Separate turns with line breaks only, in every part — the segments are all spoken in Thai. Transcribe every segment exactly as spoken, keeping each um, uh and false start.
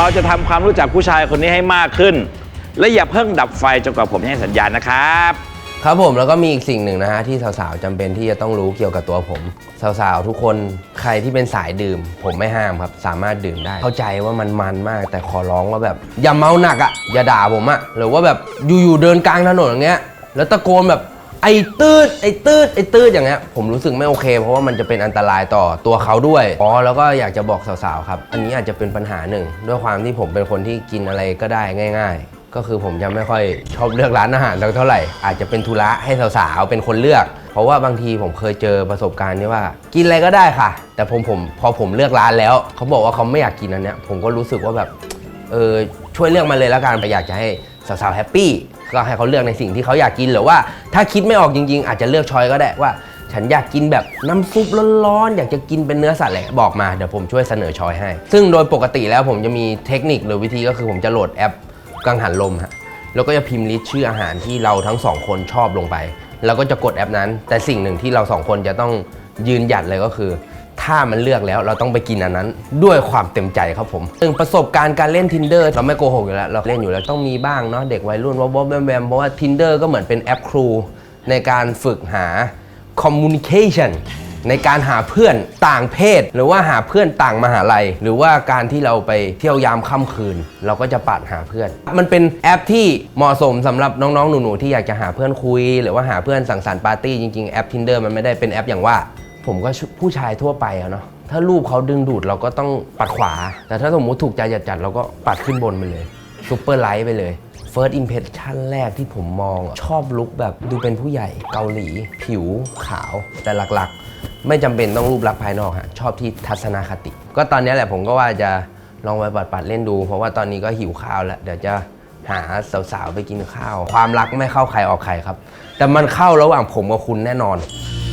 เราจะทำความรู้จักผู้ชายคนนี้ให้มากขึ้นและอย่าเพิ่งดับไฟจนกว่าผมให้สัญญาณนะครับ
ครับผมแล้วก็มีอีกสิ่งหนึ่งนะฮะที่สาวๆจำเป็นที่จะต้องรู้เกี่ยวกับตัวผมสาวๆทุกคนใครที่เป็นสายดื่มผมไม่ห้ามครับสามารถดื่มได้เข้าใจว่ามันมันมากแต่ขอร้องว่าแบบอย่าเมาหนักอ่ะอย่าด่าผมอ่ะหรือว่าแบบอยู่ๆเดินกลางถนนอย่างเงี้ยแล้วตะโกนแบบไอ้ตืดไอ้ตืดไอ้ตืดอย่างเงี้ยผมรู้สึกไม่โอเคเพราะว่ามันจะเป็นอันตรายต่อตัวเขาด้วยอ๋อแล้วก็อยากจะบอกสาวๆครับอันนี้อาจจะเป็นปัญหาหนึ่งด้วยความที่ผมเป็นคนที่กินอะไรก็ได้ง่ายๆก็คือผมจะไม่ค่อยชอบเลือกร้านอาหารเท่าไหร่อาจจะเป็นธุระให้สาวๆเป็นคนเลือกเพราะว่าบางทีผมเคยเจอประสบการณ์ที่ว่ากินอะไรก็ได้ค่ะแต่ผมผมพอผมเลือกร้านแล้วเขาบอกว่าเขาไม่อยากกินอันเนี้ยผมก็รู้สึกว่าแบบเออช่วยเลือกมาเลยแล้วกันอยากจะให้สาวๆแฮปปี้ก็ให้เขาเลือกในสิ่งที่เขาอยากกินหรือว่าถ้าคิดไม่ออกจริงๆอาจจะเลือกช้อยก็ได้ว่าฉันอยากกินแบบน้ำซุปร้อนๆอยากจะกินเป็นเนื้อสัตว์อะไรบอกมาเดี๋ยวผมช่วยเสนอช้อยให้ซึ่งโดยปกติแล้วผมจะมีเทคนิคหรือวิธีก็คือผมจะโหลดแอปกังหันลมฮะแล้วก็จะพิมพ์ลิสต์ชื่ออาหารที่เราทั้งสองคนชอบลงไปแล้วก็จะกดแอปนั้นแต่สิ่งหนึ่งที่เราสองคนจะต้องยืนหยัดเลยก็คือถ้ามันเลือกแล้วเราต้องไปกินอันนั้นด้วยความเต็มใจครับผมซึ่งประสบการณ์การเล่น Tinder เราไม่โกหกอยู่แล้วเราเล่นอยู่แล้วต้องมีบ้างเนาะเด็กวัยรุ่นวอบๆแวมๆเพราะว่า Tinder ก็เหมือนเป็นแอปครูในการฝึกหา communication ในการหาเพื่อนต่างเพศหรือว่าหาเพื่อนต่างมหาลัยหรือว่าการที่เราไปเที่ยวยามค่ำคืนเราก็จะปัดหาเพื่อนมันเป็นแอปที่เหมาะสมสำหรับน้องๆหนูๆที่อยากจะหาเพื่อนคุยหรือว่าหาเพื่อนสังสรรค์ปาร์ตี้จริงๆแอป Tinder มันไม่ได้เป็นแอปอย่างว่าผมก็ผู้ชายทั่วไปอะเนาะถ้ารูปเขาดึงดูดเราก็ต้องปัดขวาแต่ถ้าสมมุติถูกใจจัดๆเราก็ปัดขึ้นบนไปเลยซุปเปอร์ไลท์ไปเลย First Impression แรกที่ผมมองชอบลุคแบบดูเป็นผู้ใหญ่เกาหลีผิวขาวแต่หลักๆไม่จำเป็นต้องรูปลักษณ์ภายนอกฮะชอบที่ทัศนคติก็ตอนนี้แหละผมก็ว่าจะลองไปปัดๆเล่นดูเพราะว่าตอนนี้ก็หิวข้าวแล้วเดี๋ยวจะหาสาวๆไปกินข้าวความรักไม่เข้าใครออกใครครับแต่มันเข้าระหว่างผมกับคุณแน่นอน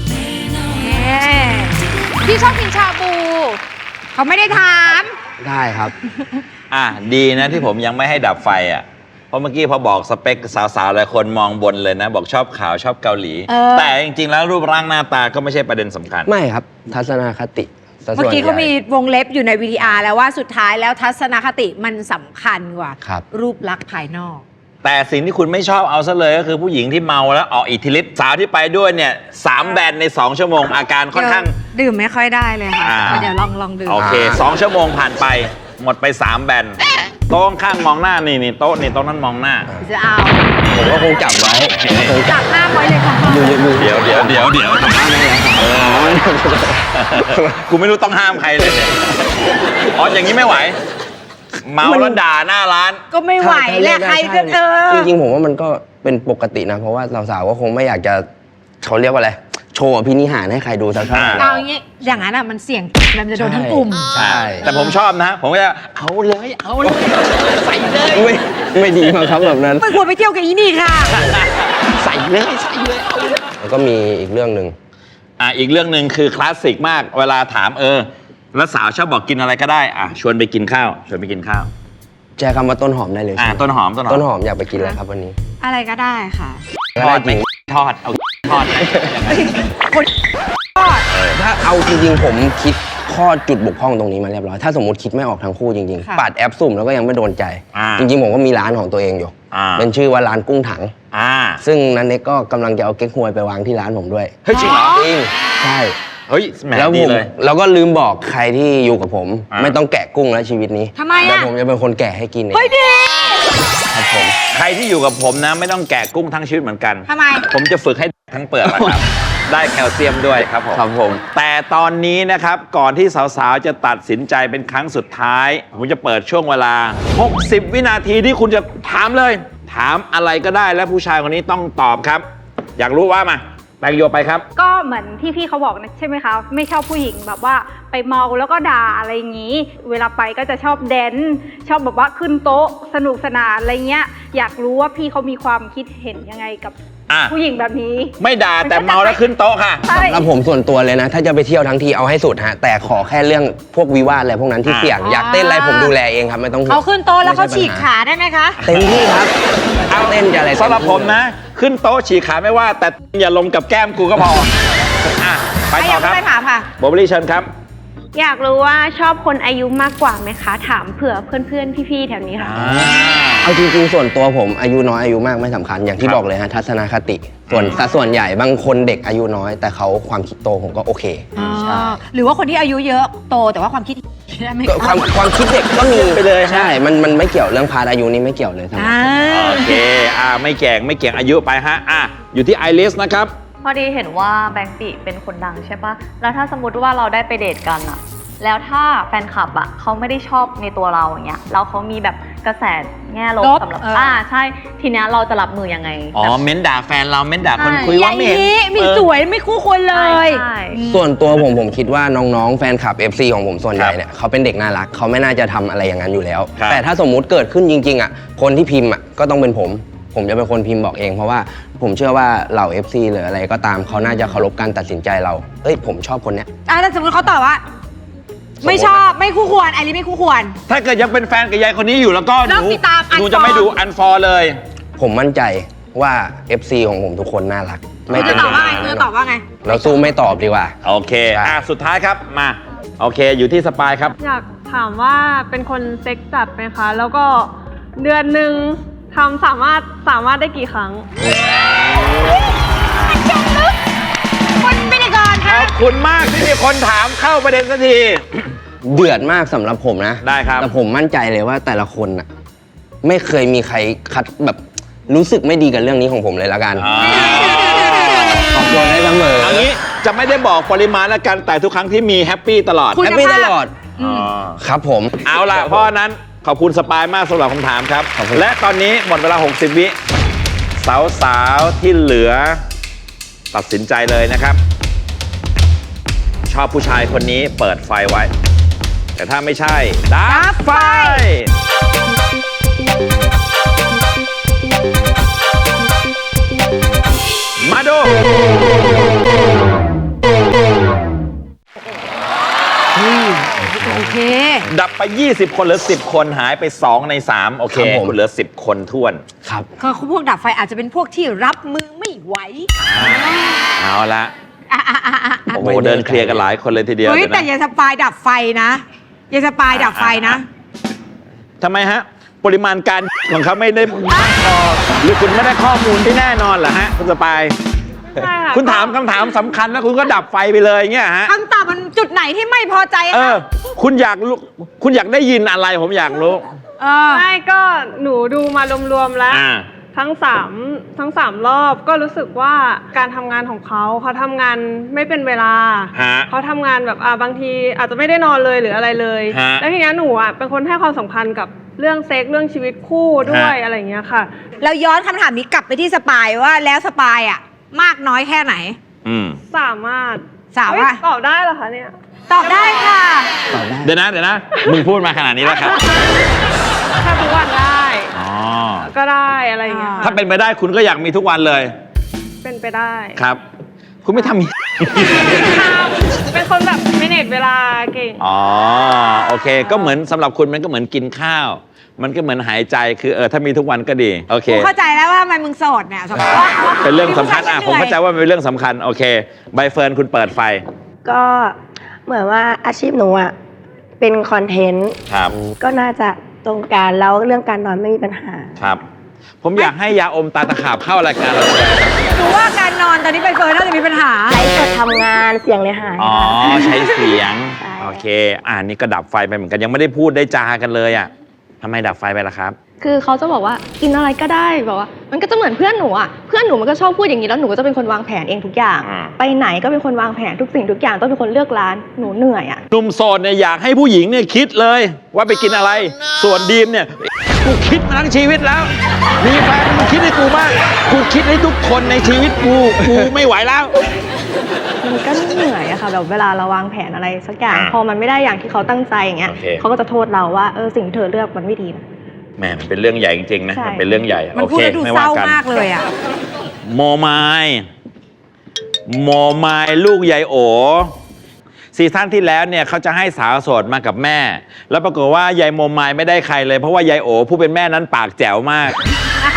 พี่ชอบกินชาบูเขาไม่ได้ถาม
ได้ครับ
อ่ะดีนะที่ผมยังไม่ให้ดับไฟอ่ะเพราะเมื่อกี้พอบอกสเปคสาวๆหลายคนมองบนเลยนะบอกชอบขาวชอบเกาหลีแต่จริงๆแล้วรูปร่างหน้าตาก็ไม่ใช่ประเด็นสำคัญ
ไม่ครับทัศนคติ
เมื่อกี้เขามีวงเล็บอยู่ใน วี ที อาร์ แล้วว่าสุดท้ายแล้วทัศนคติมันสำคัญกว่า รูปลักษณ์ภายนอก
แต่สิ่งที่คุณไม่ชอบเอาซะเลยก็คือผู้หญิงที่เมาแล้วออกอิทธิฤทธิ์สาวที่ไปด้วยเนี่ยสามแบนในสองชั่วโมงอาการค่อนข้าง
ดื่มไม่ค่อยได้เลยค่ะเดี๋ยวลองลองดื่ม
โอเคสองชั่วโมงผ่านไปหมดไปสามแบนโต๊ะข้างมองหน้านี่นี่โต๊ะนี่โต๊ะนั้นมองหน้า
จะเอา
ผมก็คงจับไว้
จับห้ามไว้เลยค่ะ
เดี๋ยวเดี๋ยวเดี๋ยวเดี๋ยวกูไม่รู้ต้องห้ามใครเลยอ๋ออย่างนี้ไม่ไหวเมาแล้วด่าหน้าร้าน
ก็ไม่ไหวแหละใครจะเออ
จริงๆผมว่ามันก็เป็นปกตินะเพราะว่าสาวๆก็คงไม่อยากจะเขาเรียกว่าอะไรโชว์พินิหารให้ใครดูสักเท่าไหร่
เอาอย่างงี้อย่างนั้นอ่ะมันเสี่ยงมันจะโดนทั้งกลุ่ม
ใช่แต่ผมชอบนะผมก็จะเอาเลยเอาเลยใส่เลย
ไม่ไม่ดีมั้งครับแบบนั้น
ไม่ควรไปเที่ยวกับอีนี่ค่ะ
ใส่เลยใส่เลยเอาเลย
แล้วก็มีอีกเรื่องหนึ่ง
อ่ะอีกเรื่องหนึ่งคือคลาสสิกมากเวลาถามเออแล้วสาวชอบบอกกินอะไรก็ได้อ่ะชวนไปกินข้าวชวนไปกินข้าว
แจ้คำว่าต้นหอมได้เลย
อ่ะต้นหอมต้นหอม
ต้นหอมอยากไปกินอะไรครับวันนี้
อะไรก็ได้ค่ะ
ทอดไหมทอดเอาทอดไหม
คนทอด
ถ้าเอาจริงๆผมคิดข้อจุดบกพร่องตรงนี้มาเรียบร้อยถ้าสมมติคิดไม่ออกทั้งคู่จริงๆปัดแอปสุ่มแล้วก็ยังไม่โดนใจจริงๆผมก็มีร้านของตัวเองอยู่เป็นชื่อว่าร้านกุ้งถังซึ่งนั้นเน็กก็กำลังจะเอาเก๊กฮวยไปวางที่ร้านผมด้วย
เฮ้ยจริงเหรอ
จริงใช่
เฮ้ย
แล้วผมแล้วก็ลืมบอกใครที่อยู่กับผมไม่ต้องแกะกุ้งแล้วชีวิตนี้
ทำไมอ่ะ
เดี๋ยวผมจะเป็นคนแกะให้กินเอง
เฮ้ยดี
ครับผมใครที่อยู่กับผมนะไม่ต้องแกะกุ้งทั้งชีวิตเหมือนกัน
ทำไม
ผมจะฝึกให้ทั้งเปลือกครับได้แคลเซียมด้วยครับผม
ครับผม
แต่ตอนนี้นะครับก่อนที่สาวๆจะตัดสินใจเป็นครั้งสุดท้ายผมจะเปิดช่วงเวลาหกสิบวินาทีที่คุณจะถามเลยถามอะไรก็ได้และผู้ชายคนนี้ต้องตอบครับอยากรู้ว่ามาแปลงโยไปครับ
ก็เหมือนที่พี่เขาบอกนะใช่ไหมคะไม่ชอบผู้หญิงแบบว่าไปเมาแล้วก็ด่าอะไรอย่างนี้เวลาไปก็จะชอบแดนชอบแบบว่าขึ้นโต๊ะสนุกสนานอะไรเงี้ยอยากรู้ว่าพี่เขามีความคิดเห็นยังไงกับผู้หญิงแบบนี้
ไม่ด่าแต่เมาแล้วขึ้นโต๊ะค่ะ
สำหรับผมส่วนตัวเลยนะถ้าจะไปเที่ยวทั้งทีเอาให้สุดฮะแต่ขอแค่เรื่องพวกวิวาทอะไรพวกนั้นที่เสี่ยงอยากเต้นอะไรผมดูแลเองครับไม่ต้อง
เอาขึ้นโต๊ะแล้วเขาฉีกขาได้ไหมคะ
เต็มที่ครับเอาเต้นจะอะไร
สำหรับผมนะขึ้นโต๊ะฉีกขาไม่ว่าแต่อย่าลงกับแก้มกูก็พออ่ะไปต่อครับ
ไปถามค่ะ
โบเบอรี่เชิญครับ
อยากรู้ว่าชอบคนอายุมากกว่าไหมคะ ถามเผื่อเพื่อนๆพี่ๆแถวนี้ค่ะ
เอาจริงๆส่วนตัวผมอายุน้อยอายุมากไม่สำคัญอย่างที่บอกเลยฮะทัศนคติ ส่วนสัดส่วนใหญ่บางคนเด็กอายุน้อย แต่เขาความคิดโตผมก็โอเคใช่
หรือว่าคนที่อายุเยอะโตแต่ว่าความคิดได้ไหม
ก็ความความคิดเด็กก็มี
ไปเลย
ใช่มันมันไม่เกี่ยวเรื่องพาร์ทอายุนี่ไม่เกี่ยวเลยทั้งหมด
อ่า
โอเคอ่าไม่แก่งไม่เกี่ยงอายุไปฮะอ่ะอยู่ที่ไอริสนะครับ
พอดีเห็นว่าแบงค์ติเป็นคนดังใช่ปะแล้วถ้าสมมติว่าเราได้ไปเดทกันอะแล้วถ้าแฟนคลับอะเขาไม่ได้ชอบในตัวเราอย่างเงี้ยแล้วเขามีแบบกระแสแง่ลบ
ลบ
สำหรับ
เอออ่
อ่าใช่ ทีเนี้ยเราจะรับมือยังไง
อ๋อ
แบบ
เม้นด่าแฟนเราเม้นด่าคน
ใช่
คุยว่าไม่เห็น
นี้มี
เออ
สวยไม่คู่ควรเลย
ใช่
ส่วนตัวผมผมคิดว่าน้องๆแฟนคลับ เอฟ ซี ของผมส่วนใหญ่
ครับ
เนี่ยเขาเป็นเด็กน่ารักเขาไม่น่าจะทำอะไรอย่างนั้นอยู่แล้ว
ครับ
แต่ถ้าสมมุติเกิดขึ้นจริงๆอ่ะคนที่พิมพ์อ่ะก็ต้องเป็นผม ผมจะเป็นคนพิมพ์บอกเอง เพราะว่าผมเชื่อว่าเหล่า เอฟ ซี หรืออะไรก็ตามเขาน่าจะเคารพการตัดสินใจเราเอ้ยผมชอบคนเนี้ย
อ่ะถ้าสมมติเขาตอบว่า ไม่ชอบไม่คู่ควรไอริไม่คู่ควร
ถ้าเกิดยังเป็นแฟนกับยายคนนี้อยู่แล้วก็ห
เลิ
นู
กติดตาม
หนู
unfollow
จะไม่ดูอันฟอร์เลย
ผมมั่นใจว่า เอฟ ซี ของผมทุกคนน่ารัก ไม่
คุณ
เป็
จะ
น
ตอบว่าไง
ปัญ
คุณ
หา
จะตอบว่าไง
เราสู้ไม่ตอบดีกว่า
โอเค
ใช่
อ่ะสุดท้ายครับมาโอเคอยู่ที่สปายครับ
อยากถามว่าเป็นคนเซ็กจัดไหมคะ แล้วก็เดือนหนึ่งทำสามารถสามารถได้กี่ครั้ง
คนพิธีกร
ข
ค่ะ
อบคุณมากที่มีคนถามเข้าประเด็นสักที
เดือดมากสำหรับผมนะ
ได้ครับ
แต่ผมมั่นใจเลยว่าแต่ละคนน่ะไม่เคยมีใครคัดแบบรู้สึกไม่ดีกับเรื่องนี้ของผมเลยละกัน
อ่า
ขอบคุณได้เสมอ
เอางี้จะไม่ได้บอกปริมาณแล้วกันแต่ทุกครั้งที่มีแฮปปี้ตลอด
คุณ
แฮปปี้ตลอด
อ๋อ
ครับผม
เอาล่ะ เพราะฉะนั้นขอบคุณสปายมากสำหรับคำถามครับ
ขอบคุณ
และตอนนี้หมดเวลา หกสิบ วิ สาวๆ ที่เหลือ ตัดสินใจเลยนะครับ ชอบผู้ชายคนนี้เปิดไฟไว้ แต่ถ้าไม่ใช่ดับไฟ มาดู
โอเค
ดับไป ยี่สิบ คนเหลือ สิบ คนหายไป สอง ใน สาม โอเค
ครับผม
คุณเหลือ สิบ คนท้วน
ครับ
คือพวกดับไฟอาจจะเป็นพวกที่รับมือไม่ไหว
เอาละ
อ่ะอ่ะอ่ะอ่ะ
โอ้โหเดินเคลียร์กันหลายคนเลยทีเดียว
เฮ้ย
เดี๋ยว
แต่
นะ
ยายสปายดับไฟนะยายสปายดับไฟนะ
ทำไมฮะ ปริมาณการของเขาไม่ได้มากพอหรือคุณไม่ได้ข้อมูลที่แน่นอนเหรอฮะ คุณสปาย
ใช่ค่ะ
คุณถามคำถามสำคัญแล้วคุณก็ดับไฟไปเลยเงี้ยฮะ
คำตอบมันจุดไหนที่ไม่พอใจ
เอ
คะ
อ คุณอยากรู้คุณอยากได้ยินอะไรผมอยากรู้
เออ
ไม่ก็หนูดูมารวมๆแล้ว
อ่า
ทั้งสามทั้งสามรอบก็รู้สึกว่าการทำงานของเขาเขาทำงานไม่เป็นเวลา
ฮะ
เขาทำงานแบบอ่าบางทีอาจจะไม่ได้นอนเลยหรืออะไรเลย
ฮะ
แล้วทีนี้หนูอ่ะเป็นคนให้ความสำคัญกับเรื่องเซ็กเรื่องชีวิตคู่ด้วยอะไรอย่างเงี้ยค่ะ
เราย้อนคำถามนี้กลับไปที่สปายว่าแล้วสปายอ่ะ มากน้อยแค่ไหน
อืม
สามารถ
สาว
เฮ้ย
ว่า
ตอบได้เหรอคะเนี่ย
ตอบได้ค่ะ
เดี๋ยวนะเดี๋ยวนะ มึงพูดมาขนาดนี้แล้วครับ
ถ้าทุกวันได้
อ๋อ
ก็ได้อะไรอย่างเงี้ยค่ะ
ถ้าเป็นไปได้คุณก็อยากมีทุกวันเลย
เป็นไปได้
ครับ คุณไม่ทำ
เป็นคนแบบไม่เน็ตเวลาเก่ง
อ๋อโอเค ก็เหมือนสำหรับคุณมันก็เหมือนกินข้าว มันก็เหมือนหายใจคือเออถ้ามีทุกวันก็ดีโอเค
กูเข้าใจแล้วว่าทำไมมึงโสดเนี่ยสปาย
เป็นเรื่องสำคัญอ่ะผมเข้าใจว่ามันเป็นเรื่องสำคัญโอเคใบเฟิร์นคุณเปิดไฟ
ก็เหมือนว่าอาชีพหนูอ่ะเป็นคอนเทนต์
ครับ
ก็น่าจะตรงกันแล้วเรื่องการนอนไม่มีปัญหา
ครับ ผมอยากให้ยาอมตาตะขาบเข้ารายการเราเลย
หนูว่าการนอนตอนนี้ใบเฟิร์นน่าจะมีปัญหา
ใช้สดทำงานเสียงเลยหาย
อ๋อ
ค่ะ
ใช้เสียง
ใช่
โอเค อ่านี่ก็ดับไฟไปเหมือนกันยังไม่ได้พูดได้จากันเลยอ่ะทำไมดับไฟไปล่ะครับ
คือเขาจะบอกว่ากินอะไรก็ได้แบบว่า มันก็จะเหมือนเพื่อนหนูอ่ะเพื่อนหนูมันก็ชอบพูดอย่างนี้แล้วหนูก็จะเป็นคนวางแผนเองทุกอย่าง
อ่า
ไปไหนก็เป็นคนวางแผนทุกสิ่งทุกอย่างต้องเป็นคนเลือกร้านหนูเหนื่อยอ่ะ
หนุ่มโสดเนี่ยอยากให้ผู้หญิงเนี่ยคิดเลยว่าไปกินอะไร ส่วนดีมเนี่ยกูคิดมาทั้งชีวิตแล้ว มีแฟนมึงคิดให้กูบ้างกูคิดให้ทุกคนในชีวิตกูกูไม่ไหวแล้ว
มันก็เหนื่อยอะค่ะแบบเวลาเราวางแผนอะไรสักอย่าง
อ่า
พอมันไม่ได้อย่างที่เขาตั้งใจอย่างเงี้ย
โอเค
เขาก็จะโทษเราว่าเออสิ่งที่เธอเลือกมันไม่ดีนะ
แหมมันเป็นเรื่องใหญ่จริงๆนะ
ใช่
มันเป็นเรื่องใหญ่
มัน
โอ
พูด
เค
แล้วดู
ไม่
เศ
ว่า
ร้า
กัน
มากเลยอ่ะ
โมไมายโมไมายลูกยายโอซีซั่นที่แล้วเนี่ยเขาจะให้สาวโสดมากับแม่ แล้วปรากฏว่ายายโมไมายไม่ได้ใครเลยเพราะว่ายายโอผู้เป็นแม่นั้นปากแจ๋วมาก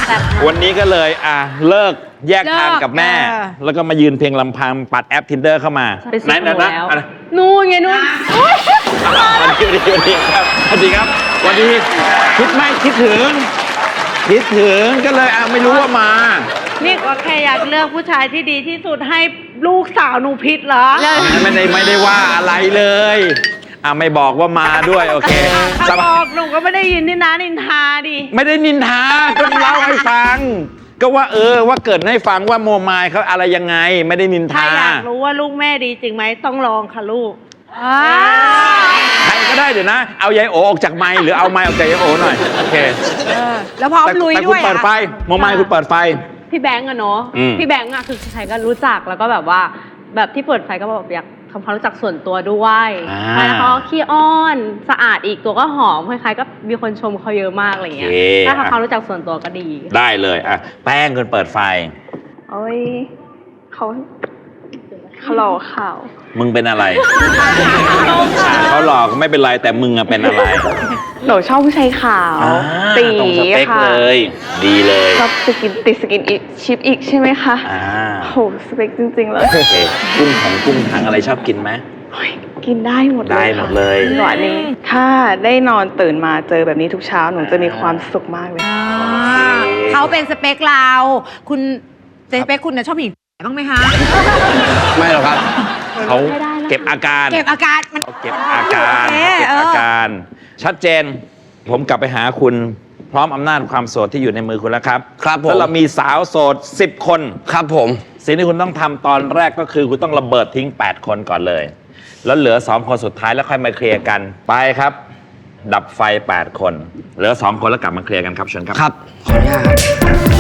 วันนี้ก็เลยอ่ะเลิกแยกทางกับแม่
เลิกเออ
แล้วก็มายืนเพียงลำพังปัดแอป Tinder เข้ามา
ไปซื้อ
ไหนๆนะ
แล้ว
อะไร
นู่นไงนู่น
สวัสดีสวัสดีครับสวัสดีครับสวัสดีคิดไหมคิดถึง คิดถึงก็เลยอ่ะไม่รู้ว่ามา
นี่ก็แค่อยากเลือกผู้ชายที่ดีที่สุดให้ลูกสาวหนูพิษเหรอ
ไม่ได้ไม่ได้ว่าอะไรเลยอ่ะไม่บอกว่ามาด้วยโอเค
ถ้าบอกหนูก็ไม่ได้ยินนี่นะนินทาดิ
ไม่ได้นินทาก็เล่าให้ฟัง ก็ว่าเออว่าเกิดให้ฟังว่าโมมายเขาอะไรยังไง ไม่ได้นิน
ถ้า
ทา
อยากรู้ว่าลูกแม่ดีจริงไหมต้องลองค่ะลูก
ใครก็ได้เดี๋ยวนะ เอายายโอออกจากไมค์หรือเอาไมค์ออกจากยายโอหน่อยโอเค
เออแล้วพร้อม
แต่
ลุย
แต่
ด้
คุ
ว
ณ
ย
เปิดไฟ
อะ
โมมายคุณเปิดไฟ
พี่แบงก์อะเนาะ
อืม
พี่แบงก์อะคือใครก็รู้จักแล้วก็แบบว่า แบบที่เปิดไฟก็แบบอยากทำความรู้จักส่วนตัวด้วย
อ่า
ใช่แล้วเขาก็ขี้อ้อนสะอาดอีกตัวก็หอมคล้ายๆก็มีคนชมเขาเยอะมากอะไรเงี้ยถ้าทำความรู้จักส่วนตัวก็ดี
ได้เลยอ่ะแป้งคุณเปิดไฟ
โอ้ยเขาเขาหล่อข่าว
มึงเป็นอะไรอ่ะเขาหลอกไม่เป็นไรแต่มึงอะเป็นอะไร
หนูชอบผู้ชายขาว
อ่า
ตี
ตรงสเปค
ค่ะ
เลย ดีเลย
ชอบสกินติดสกินอีกชิปอีกใช่ไหมคะ
อ่า
โหสเปคจริง ๆ เลย
โอเคกุ้งของกุ้งถังอะไรชอบกินไหม
โอ้ยกินได้หมดเลย
ได้หมดเลย
ค่ะหวานนี้ถ้าได้นอนตื่นมาเจอแบบนี้ทุกเช้าหนูจะมีความสุขมากเลย
อ่าเขาเป็นสเปคเรา คุณสเปคคุณนะชอบผู้หญิงบ้างไหมคะ
ไม่หรอกครับ
เขาเก็บอาการ
เก็บอาการมัน
เขาเก็บอาการ
โอเค
เก็บ
เอ
อา
อ
การ ชัดเจน ผมกลับไปหาคุณพร้อมอำนาจความโสดที่อยู่ในมือคุณแล้วครับ
ครับผม
แล้วเรามีสาวโสดสิบคน
ครับผม
สิ่งที่คุณต้องทำตอนแรกก็คือคุณต้องระเบิดทิ้งแปดคนก่อนเลย แล้วเหลือสองคนสุดท้ายแล้วค่อยมาเคลียร์กันไปครับ ดับไฟแปดคน เหลือสองคนแล้วกลับมาเคลียร์กันครับเชิญครับ
ครับ ขออนุญาตครับ